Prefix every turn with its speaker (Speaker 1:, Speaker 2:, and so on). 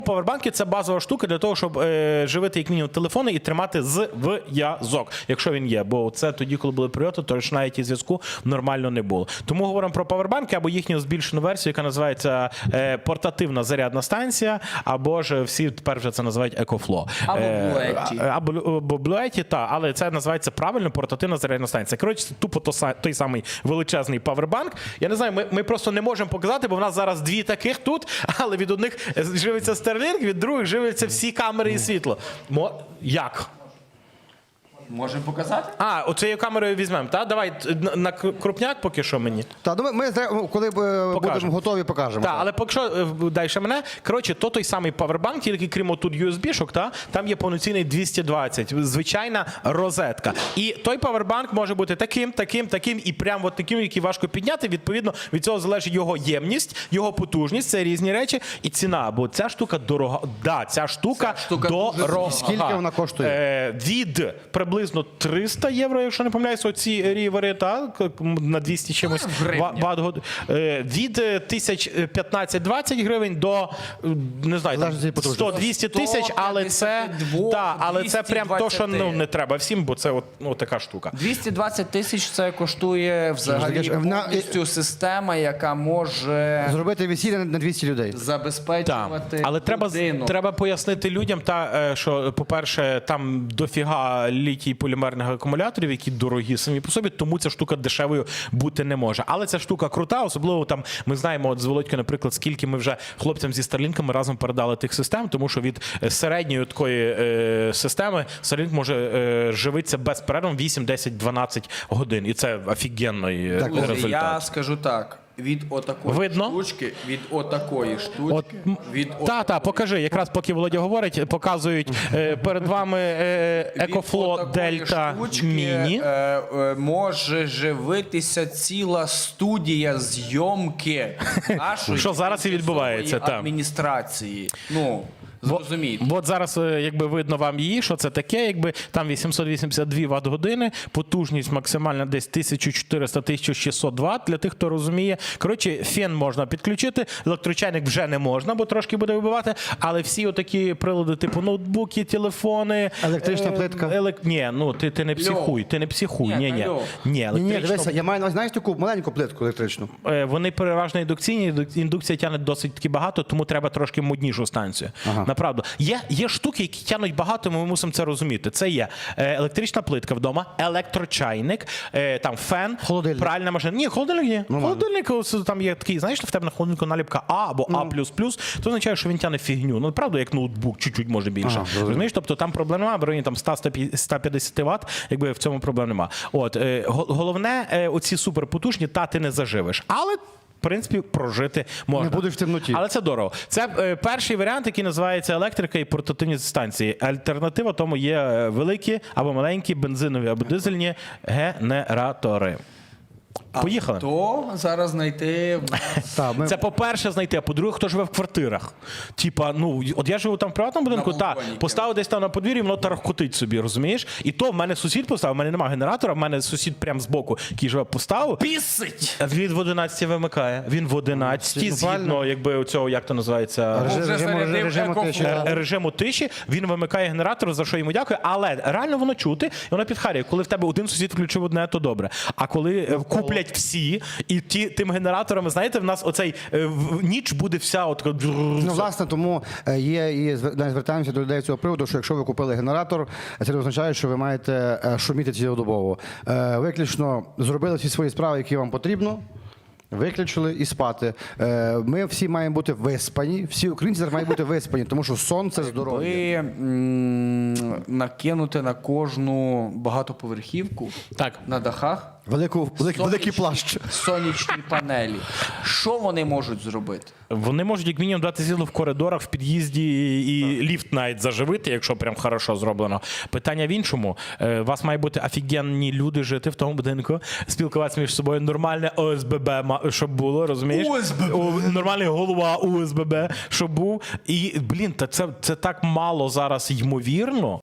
Speaker 1: Павербанки – це базова штука для того, щоб живити як мінімум телефони і тримати зв'язок, якщо він є. Бо це тоді, коли були прильоти, то ж навіть і зв'язку нормально не було. Тому говоримо про павербанки або їхню збільшену версію, яка називається портативна зарядна станція, або ж всі тепер вже це називають EcoFlow.
Speaker 2: Або Bluetooth.
Speaker 1: Або Bluetooth, так, але це називається правильно портативна зарядна станція. Коротше, це тупо той самий величезний павербанк. Я не знаю, ми просто не можемо показати, бо в нас зараз дві таких тут, але від одних живиться Starlink, від других живляться всі камери і світло. Як?
Speaker 2: Можемо показати?
Speaker 1: Оцією камерою візьмемо, так? Давай на крупняк поки що мені.
Speaker 3: Так, ми коли будемо готові, покажемо.
Speaker 1: Так, але поки що, дай ще мене. Коротше, той самий павербанк, тільки крім отут USB-шок, там є повноцінний 220, звичайна розетка. І той павербанк може бути таким і прямо от таким, який важко підняти. Відповідно, від цього залежить його ємність, його потужність, це різні речі, і ціна, бо ця штука дорога. Да, ця штука дорога.
Speaker 3: Скільки вона коштує?
Speaker 1: Від приблизно 300 євро, якщо не помиляюся, оці рівери, на 200 чимось ватт-годин. Від 1015-20 гривень до, не знаю, 100-200 тисяч, але це прям то, що не треба всім, бо це така штука.
Speaker 2: 220 тисяч це коштує взагалі повністю система, яка може
Speaker 3: зробити весілля на 200 людей.
Speaker 2: Забезпечувати
Speaker 1: але
Speaker 2: людину.
Speaker 1: треба пояснити людям, що, по-перше, там дофіга літій полімерних акумуляторів, які дорогі самі по собі, тому ця штука дешевою бути не може. Але ця штука крута, особливо там ми знаємо з Володькою, наприклад, скільки ми вже хлопцям зі Starlink'ами разом передали тих систем, тому що від середньої такої системи Starlink може живитися безперервно 8, 10, 12 годин. І це офігенний результат.
Speaker 2: Я скажу так. Від отакої штучки,
Speaker 1: покажи. Якраз поки Володя говорить, показують перед вами EcoFlow Delta Mini.
Speaker 2: Може живитися ціла студія зйомки нашої
Speaker 1: що зараз і відбувається,
Speaker 2: адміністрації. Зрозумійте.
Speaker 1: От зараз, якби видно вам її, що це таке, якби там 882 ватт-години, потужність максимальна десь 1400-1600 ватт, для тих, хто розуміє. Коротше, фен можна підключити, електрочайник вже не можна, бо трошки буде вибивати, але всі отакі прилади, типу ноутбуки, телефони...
Speaker 3: Електрична плитка?
Speaker 1: Ні, ти не психуй, Ні,
Speaker 3: дивися, я маю, знаєш, таку маленьку плитку електричну?
Speaker 1: Вони переважно індукційні, індукція тягне досить таки багато, тому треба трошки моднішу станцію. Направду. Є штуки, які тягнуть багато, ми мусимо це розуміти. Це є електрична плитка вдома, електрочайник, там фен, пральна машина. Ні, холодильник є. Холодильник, там є такий, знаєш, в тебе на холодильнику наліпка А або А++, то означає, що він тягне фігню. Правда, як ноутбук, чуть-чуть може більше. Розумієш? Тобто там проблем немає, в районі 100-150 Вт, якби в цьому проблем немає. Головне, оці суперпотужні, ти не заживеш. Але в принципі, прожити можна.
Speaker 3: Не будеш в темноті.
Speaker 1: Але це дорого. Це перший варіант, який називається електрика і портативні станції. Альтернатива тому є великі або маленькі бензинові або дизельні генератори. Поїхали.
Speaker 2: То зараз знайти...
Speaker 1: Це по-перше знайти, а по-друге, хто живе в квартирах. Типа, от я живу там в приватному будинку, поставив десь там на подвір'ї, воно тарахкотить собі, розумієш? І то в мене сусід поставив, в мене немає генератора, в мене сусід прямо збоку, який живе, поставив.
Speaker 2: Пісить!
Speaker 1: Він в 11 вимикає. Він в 11 згідно, якби цього, як то називається? Режиму тиші. Він вимикає генератор, за що йому дякую, але реально воно чути, і воно підхарює. Коли в тебе один сусід включив одне, то добре. А коли куплять всі, і тим генераторами, знаєте, в нас оцей ніч буде вся от...
Speaker 3: Власне, тому і звертаємося до людей цього приводу, що якщо ви купили генератор, це не означає, що ви маєте шуміти цілодобово. Виключно зробили всі свої справи, які вам потрібно, виключили і спати. Ми всі маємо бути виспані, всі українці зараз мають бути виспані, тому що сон – це здоров'я.
Speaker 2: Накинути на кожну багатоповерхівку на дахах
Speaker 3: великий плащ.
Speaker 2: Сонячні панелі. Що вони можуть зробити?
Speaker 1: Вони можуть як мінімум дати світло в коридорах, в під'їзді і ліфт навіть заживити, якщо прям хорошо зроблено. Питання в іншому. У вас має бути офігенні люди жити в тому будинку, спілкуватися між собою, нормальне ОСББ, щоб було, розумієш? Нормальний голова ОСББ, щоб був. І, це так мало зараз ймовірно,